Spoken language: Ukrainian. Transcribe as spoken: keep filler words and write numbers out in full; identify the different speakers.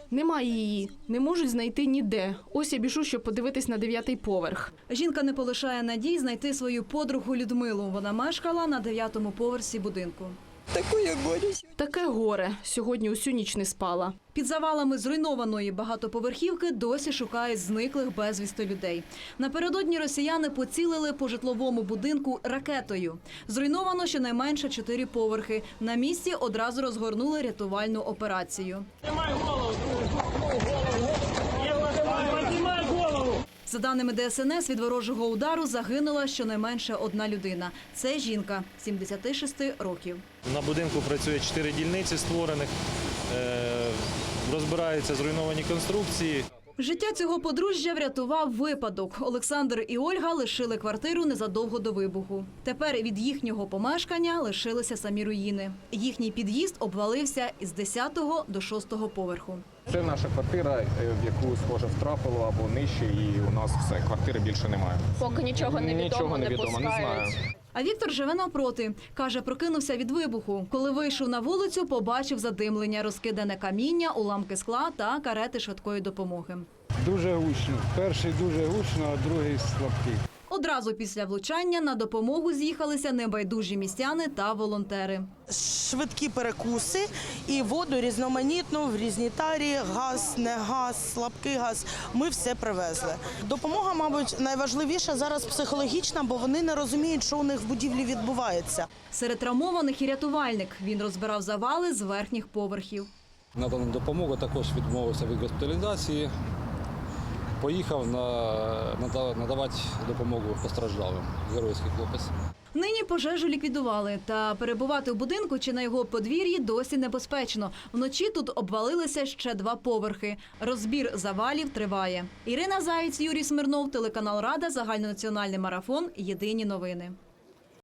Speaker 1: Немає її, не можуть знайти ніде. Ось я біжу, щоб подивитись на дев'ятий поверх.
Speaker 2: Жінка не полишає надій знайти свою подругу Людмилу. Вона мешкала на дев'ятому поверсі будинку.
Speaker 3: Таке горе.
Speaker 1: Таке горе. Сьогодні усю ніч не спала.
Speaker 2: Під завалами зруйнованої багатоповерхівки досі шукають зниклих безвісти людей. Напередодні росіяни поцілили по житловому будинку ракетою. Зруйновано щонайменше чотири поверхи. На місці одразу розгорнули рятувальну операцію. За даними Де Ес Ен Ес, від ворожого удару загинула щонайменше одна людина. Це жінка, сімдесят шість років.
Speaker 4: На будинку працює чотири дільниці створених, розбираються зруйновані конструкції.
Speaker 2: Життя цього подружжя врятував випадок. Олександр і Ольга лишили квартиру незадовго до вибуху. Тепер від їхнього помешкання лишилися самі руїни. Їхній під'їзд обвалився із десятого до шостого поверху.
Speaker 5: Це наша квартира, в яку, схоже, втрапило або нижче, і у нас все, квартири більше немає.
Speaker 6: Поки нічого не відомо,
Speaker 5: Нічого не
Speaker 6: не
Speaker 5: відомо, не знаю.
Speaker 6: пускають.
Speaker 2: А Віктор живе навпроти. Каже, прокинувся від вибуху. Коли вийшов на вулицю, побачив задимлення, розкидане каміння, уламки скла та карети швидкої допомоги.
Speaker 7: Дуже гучно. Перший дуже гучно, а другий слабкий.
Speaker 2: Одразу після влучання на допомогу з'їхалися небайдужі містяни та волонтери.
Speaker 8: Швидкі перекуси і воду різноманітну в різні тарі, газ, не газ, слабкий газ. Ми все привезли. Допомога, мабуть, найважливіша зараз психологічна, бо вони не розуміють, що у них в будівлі відбувається.
Speaker 2: Серед травмованих і рятувальник. Він розбирав завали з верхніх поверхів.
Speaker 9: Надана допомога, також відмовився від госпіталізації. Поїхав на, надавати допомогу постраждалим. Геройський хлопець.
Speaker 2: Нині пожежу ліквідували, та перебувати у будинку чи на його подвір'ї досі небезпечно. Вночі тут обвалилися ще два поверхи. Розбір завалів триває. Ірина Заєць, Юрій Смирнов, телеканал Рада, загальнонаціональний марафон. Єдині новини.